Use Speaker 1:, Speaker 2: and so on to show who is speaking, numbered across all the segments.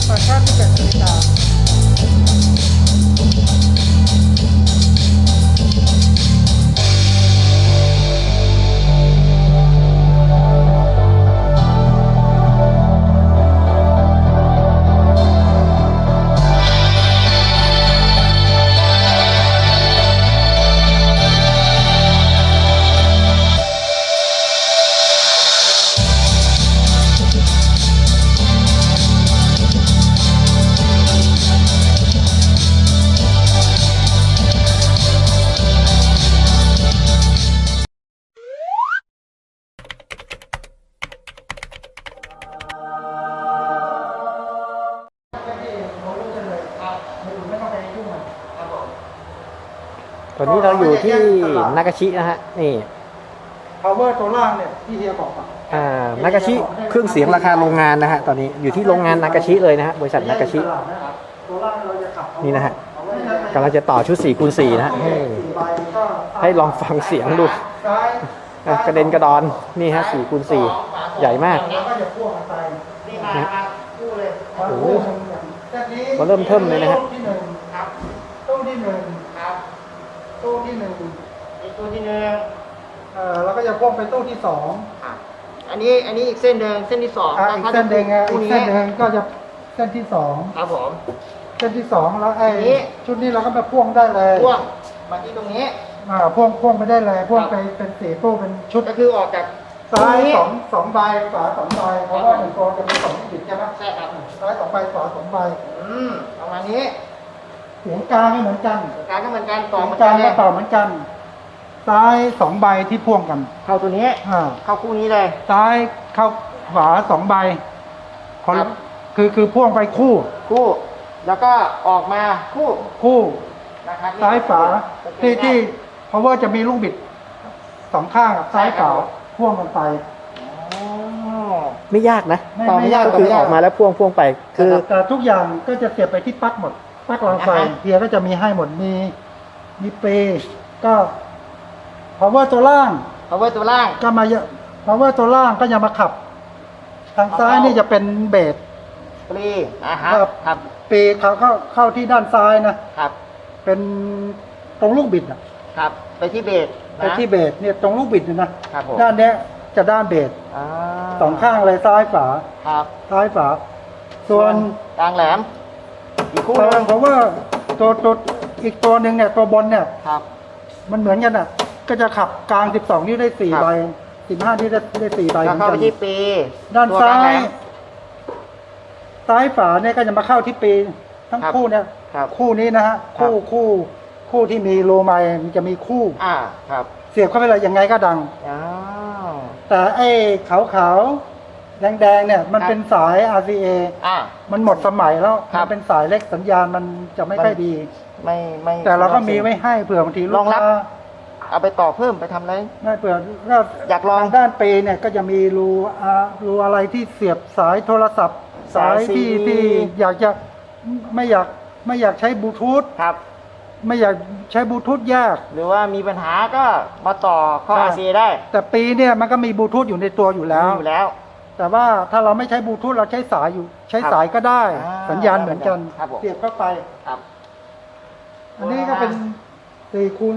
Speaker 1: ต่างชาติ11 นาฬิกา
Speaker 2: ตอนนี้เราอยู่ที่นากาชินะฮะนี่
Speaker 1: power ตัวล่างเนี่ยที่เฮียบอก
Speaker 2: นากาชิเครื่องเสียงราคาโรงงานนะฮะตอนนี้อยู่ที่โรงงานนากาชิเลยนะฮะบริษัทนากาชินี่นะฮะกำลังจะต่อชุด4 คูณ 4นะฮะให้ลองฟังเสียงดูกระเด็นกระดอนนี่ฮะ4 คูณ 4ใหญ่มากนะโอ้โหก็เริ่มเทิมเลยนะฮะ
Speaker 1: ตู้ที่หนึ่งตู้ที่หนึ่งแล้วก็จะพ่วงไปตู้ที่สอง
Speaker 3: อันนี้อีกเส้นหนึ่งเส้นที่สอง
Speaker 1: อีกเส้นหนึ่งอีกเส้นหนึ่งก็จะเส้นที่สอง
Speaker 3: ครับผม
Speaker 1: เส้นที่สองแล้วไอ้ชุดนี้เราก็มาพ่วงได้เลย
Speaker 3: พ่วงมาที่ตรงนี้
Speaker 1: พ่วงไปได้เลยพ่วงไปเป็น4 ตู้เป็นชุด
Speaker 3: ก็คือออกจาก
Speaker 1: ซ้าย2 ใบขวา2 ใบเพราะว่า1 ตัวจะมี2 บิดใช่ไหม
Speaker 3: ใช่ครับ
Speaker 1: ซ้าย2 ใบขวา2 ใบ
Speaker 3: ประมาณนี้
Speaker 1: เสียงกลางไม่เหมือนกัน
Speaker 3: กลางก็เหมือนกันต่อเหมือน
Speaker 1: กั
Speaker 3: น
Speaker 1: ก็ต่อเหมือนกันซ้าย2 ใบที่พ่วงกัน
Speaker 3: เข้าตัวนี้เข้าคู่นี้เลย
Speaker 1: ซ้ายเข้าขวา2 ใบคือพ่วงไปคู่
Speaker 3: แล้วก็ออกมา
Speaker 1: คู่นะครับซ้ายฝาที่เพราะว่าจะมีลูกบิด2 ข้างซ้ายฝาพ่วงกันไป
Speaker 2: ไม่ยากนะต่อไม่ยากก็คือออกมาแล้วพ่วงไปคือ
Speaker 1: แต่ทุกอย่างก็จะเสียบไปที่ปลั๊กหมดปลั๊กรางไฟเฮียก็จะมีให้หมดมีเปก็ power ตัวล่างก็มาเยอะ power ตัวล่างก็ยังมาขับทางซ้ายนี่จะเป็นเบส
Speaker 3: ปี
Speaker 1: ครับปีเข้าที่ด้านซ้ายนะครับเป็นตรงลูกบิด
Speaker 3: ครับไปที่เบส
Speaker 1: เนี่ยตรงลูกบิดนะครับด้านนี้จะด้านเบส2 ข้างเลยซ้ายฝา
Speaker 3: ครับ
Speaker 1: ซ้ายฝาส่วน
Speaker 3: กลางแหลมอีกคู่นึง
Speaker 1: เพราะว่าตัวอีกตัวหนึ่งเนี่ยตัวบนเนี่ย
Speaker 3: ครับ
Speaker 1: มันเหมือนกันก็จะขับกลาง12 นิ้วได้4 ใบ15 นิ้วได้4 ใบเหมือนกัน
Speaker 3: เข้าไปที่ปี
Speaker 1: ด้านซ้ายฝาเนี่ยก็จะมาเข้าที่ปีทั้งคู่เนี่ยคู่นี้นะฮะคู่ที่มีโลไมมันจะมีคู่
Speaker 3: ครับ
Speaker 1: เสียบเข้าไปเลยยังไงก็ดังแต่ไอ้ขาวแดงเนี่ยมันเป็นสาย RCA มันหมดสมัยแล้วมันเป็นสายเล็กสัญญาณมันจะไม่ค่อยดี
Speaker 3: ไม่
Speaker 1: แต่เราก็มีไว้ให้เผื่อบางทีลูกค้า
Speaker 3: เอาไปต่อเพิ่มไปทำอะไร
Speaker 1: ไม่เผื่อ
Speaker 3: อยากลอง
Speaker 1: ด้านเปเนี่ยก็จะมีรูอะไรที่เสียบสายโทรศัพท์สายที่อยากจะไม่อยากใช้บลูทูธ
Speaker 3: ครับ
Speaker 1: ไม่อยากใช้บลูทูธยาก
Speaker 3: หรือว่ามีปัญหาก็มาต่อเข้า RCA ได้
Speaker 1: แต่ปีเนี่ยมันก็มีบลูทูธอยู่ในตัวอยู่แล้วแต่ว่าถ้าเราไม่ใช้บลูทูธเราใช้สายก็ได้สัญญาณเหมือนกันเสียบเข้าไป
Speaker 3: ครับ
Speaker 1: อันนี้ก็เป็น4 คูณ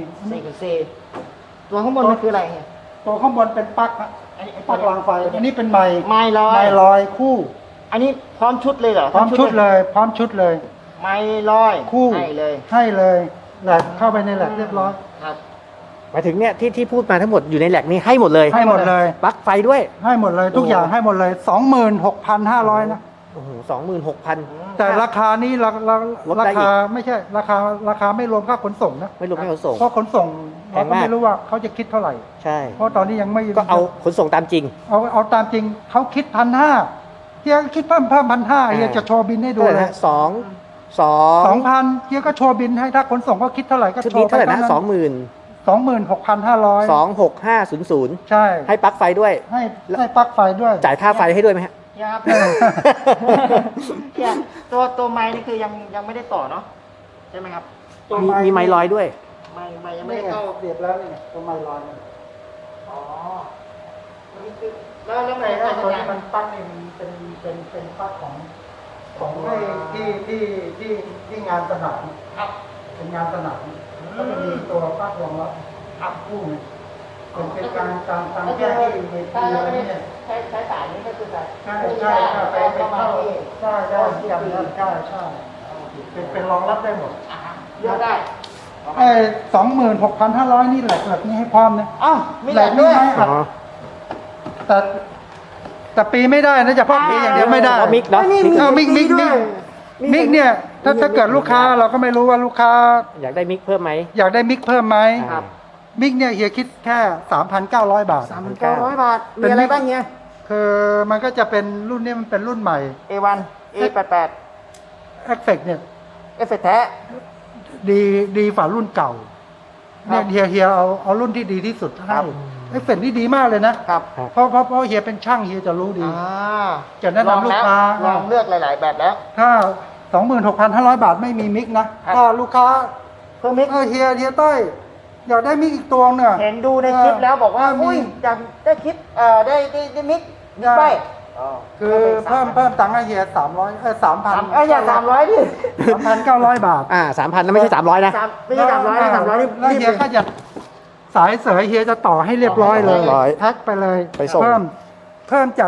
Speaker 3: 4ตัวข้างบนมันคืออะไรเนี่ย
Speaker 1: ตัวข้างบนเป็นปลั๊กรางไฟอันนี้เป็นไม้ลอยคู่
Speaker 3: อันนี้พร้อมชุดเลยเหรอ
Speaker 1: พร้อมชุดเลย
Speaker 3: ไม้ลอย
Speaker 1: คู่ให้เลยแหลกเข้าไปในแหลกเรียบร้อย
Speaker 3: ครับ
Speaker 2: หมายถึงเนี่ยที่พูดมาทั้งหมดอยู่ในแหลกนี้ให้หมดเลยปลั๊กไฟด้วย
Speaker 1: ให้หมดเลยทุกอย่างให้หมดเลย 26,500 นะ
Speaker 2: โอ้โห 26,000
Speaker 1: แต่ราคานี้ราคาไม่ใช่ราคาไม่รวมค่าขนส่งนะ
Speaker 2: ไม่รวมค่าขนส่ง
Speaker 1: เพราะขนส่งเราก็ไม่รู้ว่าเขาจะคิดเท่าไหร่
Speaker 2: ใช่
Speaker 1: เพราะตอนนี้ยังไม่
Speaker 2: ก็เอาขนส่งตามจริง
Speaker 1: เอาตามจริงเขาคิด1,500เฮียคิดเพิ่ม1,500เฮียจะโชว์บินให้ดูเลย2,000เฮียก็โชว์บินให้ถ้าขนส่งก็คิดเท่าไหร่ก็โชว์
Speaker 2: เท่าไหร่นะ
Speaker 1: 26,500
Speaker 2: 26500
Speaker 1: ใช่
Speaker 2: ให้ปลั๊กไฟด้วย
Speaker 1: ให้ปลั๊กไฟด้วย
Speaker 2: จ่ายค่าไฟให้ด้วยไหมฮะ
Speaker 3: ครับตัวไม้นี่คือยังไม่ได้ต่อเนาะใช่ไหมครับ
Speaker 2: มีไม้ลอยด้วย
Speaker 3: ไม้ยังไม่ได้เข้า
Speaker 1: เสียบแล้วนี่ตัวไม้ลอย
Speaker 3: อ๋อแล้วไง
Speaker 1: ตัวนี้มันปลั๊กนี่มันเป็นปลั๊กของของที่งานสนาม
Speaker 3: ครับ
Speaker 1: เป็นงานสนามก็จะมีตัวปลั๊กรองรับ
Speaker 3: ครับ
Speaker 1: คู่หนึงเป็นการแก้ที่เวทีอะไรเนี่ย
Speaker 3: ใช้สายนี้ก็คือแบบ
Speaker 1: ใช่ไปเข้าใช่จำได้ใช่เป็นรองรับได้หมด
Speaker 3: เลือกได้
Speaker 1: 26,500 นี่แหลกนี่ให้พร้อมนะ
Speaker 3: อ้าวมี
Speaker 1: แห
Speaker 3: แห
Speaker 1: ล
Speaker 3: ล
Speaker 1: ก
Speaker 3: ก
Speaker 1: นี่
Speaker 3: ด้วย
Speaker 1: ให้อัดแต่ปีไม่ได้นะเฉพาะปีอย่างเดียวไม่ได้
Speaker 2: อ๋อมิกเนาะ
Speaker 1: มิกเนี่ยถ้าเกิดลูกค้าเราก็ไม่รู้ว่าลูกค้า
Speaker 2: อยากได้มิกเพิ่มไหม
Speaker 1: อยากได้มิกเพิ่มไหม
Speaker 2: ครับ
Speaker 1: มิกเนี่ยเฮียคิดแค่ 3,900 บาท
Speaker 3: 3,900 บาท มีอะไรบ้างเนี่ย
Speaker 1: คือมันก็จะเป็นรุ่นนี้มันเป็นรุ่นใหม่
Speaker 3: A1 A88
Speaker 1: เอฟเฟกเนี่ย
Speaker 3: เอฟเฟกต์แท้
Speaker 1: ดีฝ่ารุ่นเก่า
Speaker 3: ครั
Speaker 1: เนี่ย
Speaker 3: บ
Speaker 1: เฮียเอารุ่นที่ดีที่สุด
Speaker 3: ครั
Speaker 1: ให้
Speaker 3: บ
Speaker 1: เอฟเฟกนี่ดีมากเลยนะครับ เพราะเฮียเป็นช่างเฮียจะรู้ดี จะแนะนำลูกค้า
Speaker 3: ลองเลือกหลาย ๆ แบบแล้ว
Speaker 1: ถ้า 26,500 บาทไม่มีมิกนะครับ ถ้าลูกค้า
Speaker 3: เพิ่มมิก
Speaker 1: เฮียต้อยอยากได้มิกอีกตัวเนี่ย
Speaker 3: เห็นดูในคลิปแล้วบอกว่า
Speaker 1: มี
Speaker 3: อุ้ยอยากได้คลิปได้มิก
Speaker 1: ได้
Speaker 3: ไป
Speaker 1: คือเพิ่มตังค์ให้เฮีย3,000
Speaker 3: อย่า300ดิ
Speaker 1: 3,900 บาท
Speaker 2: 3,000แล้วไม่ใช่300นะ
Speaker 3: ไม่ใช่300นะ300นี่
Speaker 1: แล้ว
Speaker 3: รีบ
Speaker 1: เฮียก็จะสายเสยเฮียจะต่อให้เรียบร้อยเลย
Speaker 2: 100
Speaker 1: แพ็คไปเลย
Speaker 2: ไปส่ง
Speaker 1: เพิ่มจาก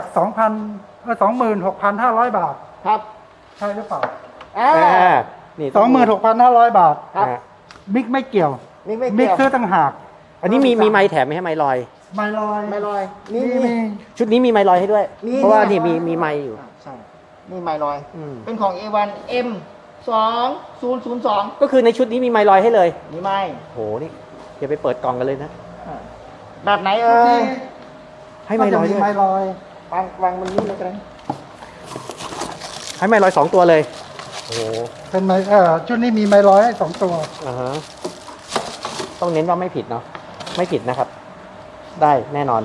Speaker 1: 26,500 บาท
Speaker 3: ครับ
Speaker 1: ใช่หรือเปล่า
Speaker 2: นี่ต้อง
Speaker 1: 26,500 บาท
Speaker 3: ครับ
Speaker 1: มิกไม่เกี่ยว
Speaker 3: มิกไม่
Speaker 1: มิ
Speaker 3: เกี่
Speaker 1: ก
Speaker 3: ยว
Speaker 1: ซื้อต่างหาก
Speaker 2: อันนี้มีไม้แถมไหมให้ไม้ลอย
Speaker 1: ไม่ลอย
Speaker 3: ไม่ลอยนี่
Speaker 1: มี
Speaker 2: ชุดนี้มีไม้ลอยให้ด้วย
Speaker 3: มี
Speaker 2: เพราะว่านี่มีไม้อยู่
Speaker 3: ใช่นี่ไม่ลอย
Speaker 2: อืม
Speaker 3: เป็นของ A1 M 2002
Speaker 2: ก็คือในชุดนี้มีไม้ลอยให้เลย
Speaker 3: นี่ไม่
Speaker 2: โหนี่เดี๋ยวไปเปิดกล่องกันเลยนะ
Speaker 3: แบบไหนเอ่ย
Speaker 2: ให้ไม้ลอย
Speaker 1: ก็จะ
Speaker 2: ด้วย
Speaker 1: ไม้ลอย
Speaker 3: วางบนนี้เลยกัน
Speaker 2: ให้ไม้ลอย2 ตัวเลยโอ้โห
Speaker 1: เป็นไม้ชุดนี้มีไม้ลอยให้2 ตัว
Speaker 2: อ่าฮะต้องเน้นว่าไม่ผิดเนาะไม่ผิดนะครับ ได้แน่นอน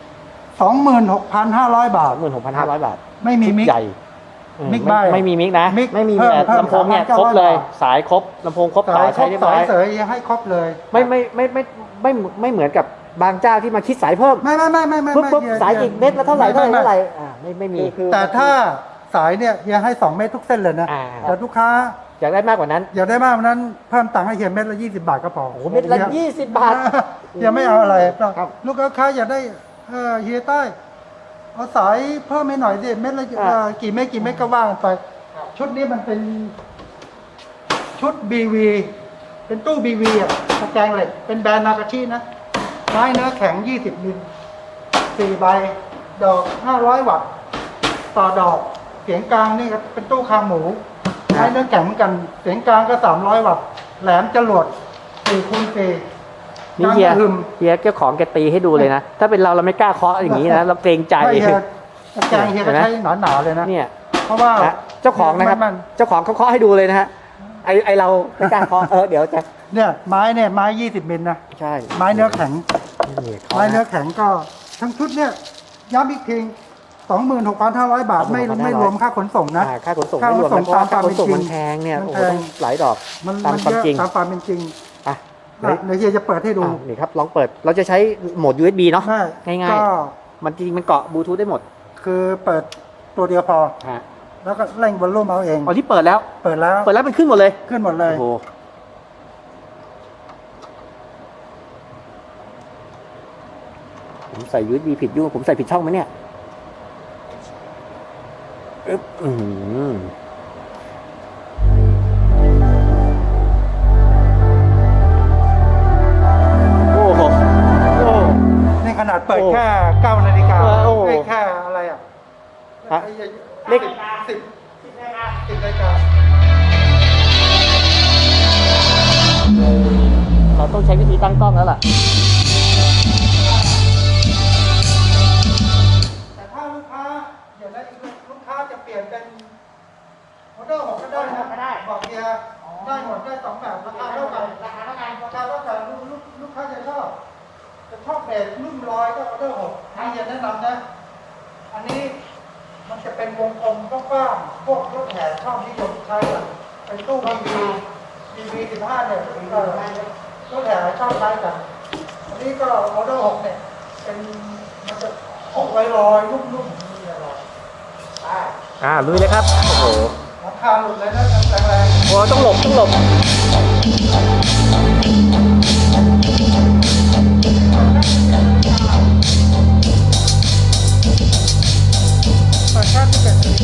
Speaker 1: 26,500 บาท
Speaker 2: 16,500 บาท
Speaker 1: ไม่มีมิก
Speaker 2: ใหญ่อื
Speaker 1: มิกใบ
Speaker 2: ไม่มีมิกนะ
Speaker 1: มิก
Speaker 3: ไม่มี
Speaker 1: เพิ่
Speaker 2: แต่
Speaker 1: เพิ่
Speaker 2: ลำโพงเนี่ยครบเลย สายครบลำโพงครบสายใช้เรียบร้อย
Speaker 1: สายเสยยังให้ครบเลย
Speaker 2: ไม่เหมือนกับบางเจ้าที่มาคิดสายเพิ่ม
Speaker 1: ไม่
Speaker 2: ปุ๊บสายอีกเม็ดละเท่าไหร่ไม่มี
Speaker 1: แต่ถ้าสายเนี่ยยังให้2 เม็ดทุกเส้นเลยนะ
Speaker 2: อ่า
Speaker 1: แต่ลูกค้า
Speaker 2: อยากได้มากกว่านั้น
Speaker 1: อยากได้มากกว่านั้นเพิ่มตังค์ให้เฮียเม็ดละ20 บาทก็พอ
Speaker 2: โอ้โหเม็ดละ20 บาท
Speaker 1: เฮียไม่เอาอะไร
Speaker 3: ครับ
Speaker 1: ลูกค้าอยากได้เฮียใต้เอาสายเพิ่มให้หน่อยสิเม็ดละกี่เม็ดก็ว่ากันไป ชุดนี้มันเป็นชุด BV เป็นตู้ BV อ่ะตะแกรงเหล็กเป็นแบรนด์นากาชินะไม้เนื้อแข็ง20 มิล4 ใบ ดอก 500 วัตต์ต่อดอก เสียงกลางนี่ก็เป็นตู้คางหมูไม้เนื้อแข็งเหมือนกัน เสียงกลางก็300 วัตต์แหลมจรวด4x4
Speaker 2: นี่เฮียเจ้าของแกตีให้ดูเลยนะ ถ้าเป็นเราไม่กล้าเคาะอย่างนี้นะ เราเกรงใจ
Speaker 1: ไม่เฮียตะแกรงเฮียก็ใช้หนาๆเลยนะ
Speaker 2: เนี่ย
Speaker 1: เพราะว่า
Speaker 2: นะเจ้าของนะครับ เจ้าของเขาเคาะให้ดูเลยนะฮะไอเราไม่กล้าเคาะเดี๋ยวจะ
Speaker 1: เนี่ยไม้ 20 มิลนะ
Speaker 2: ใช่
Speaker 1: ไม้เนื้อแข็ง
Speaker 2: นี่
Speaker 1: ไม้เนื้อแข็งก็ทั้งชุดเนี่ยย้ำอีกที 26,500 บาทไม่รวมค่าขนส่งนะ
Speaker 2: ค่าขนส่งไม่รวมนะเพราะว่าค่าขนส่งมันแพงเนี่ย
Speaker 1: มัน
Speaker 2: โอ้
Speaker 1: แพ
Speaker 2: โห
Speaker 1: ง
Speaker 2: ต้องหลายดอก
Speaker 1: มัน
Speaker 2: ตามความ
Speaker 1: เยอะ
Speaker 2: จริง
Speaker 1: ตามความเป็นจริง
Speaker 2: อ่ะ
Speaker 1: เดี๋ยวเฮียจะเปิดให้ดู
Speaker 2: นี่ครับลองเปิดเราจะใช้โหมด USB เนาะ
Speaker 1: ได้
Speaker 2: ง่าย
Speaker 1: ก็
Speaker 2: ๆมันจริงๆมันเกาะบลูทูธได้หมด
Speaker 1: คือเปิดตัวเดียวพอ
Speaker 2: ฮะ
Speaker 1: แล้วก็เร่งวอลลุ่มเอาเอง
Speaker 2: อ๋อที่เปิดแล้ว
Speaker 1: เปิดแล้ว
Speaker 2: มันขึ้นหมดเลย
Speaker 1: ขึ้นหมดเลย
Speaker 2: โอ้โหผมใส่ USB ผิดยุ่งผมใส่ผิดช่องไหมเนี่ยอึ๊บโอ้โหโอ้
Speaker 1: นี่ขนาดเปิดแค่9 นาฬิกา
Speaker 2: โอ้โห
Speaker 1: แค่อะไรอ่ะ
Speaker 2: ฮะ
Speaker 1: เลข10 นาฬิกา
Speaker 2: เราต้องใช้วิธีตั้งกล้องแล้วล่ะ
Speaker 1: แต่ถ้าลูกค้าเดี๋ยวนะลูกค้าจะเปลี่ยนเป็นมอเตอร์6ก็ได้นะ
Speaker 3: ก็ได้
Speaker 1: บอกเฮียได้หมดได้2 แบบราคาเท่ากันลูกค้าจะชอบเบสรุ่นร้อยก็มอเตอร์6ให้เฮียแนะนำนะ อันนี้มันจะเป็นวงกลมกว้างๆพวกรถแห่ชอบนิยมใช้อะเป็นตู้ BV 15เนี่ยรถแห่ชอบใช้กัน อันนี้ก็มอเตอร์6เนี่ยเป็นมันจะออกลอยๆนุ่มๆนี่อร่อย
Speaker 2: ลุยเลยครับ โอ้โห
Speaker 1: คาหลุดเลยนะแรง
Speaker 2: โอ้ต้องหลบต้องหลบ
Speaker 1: ๆแต่ค่าที่เกิด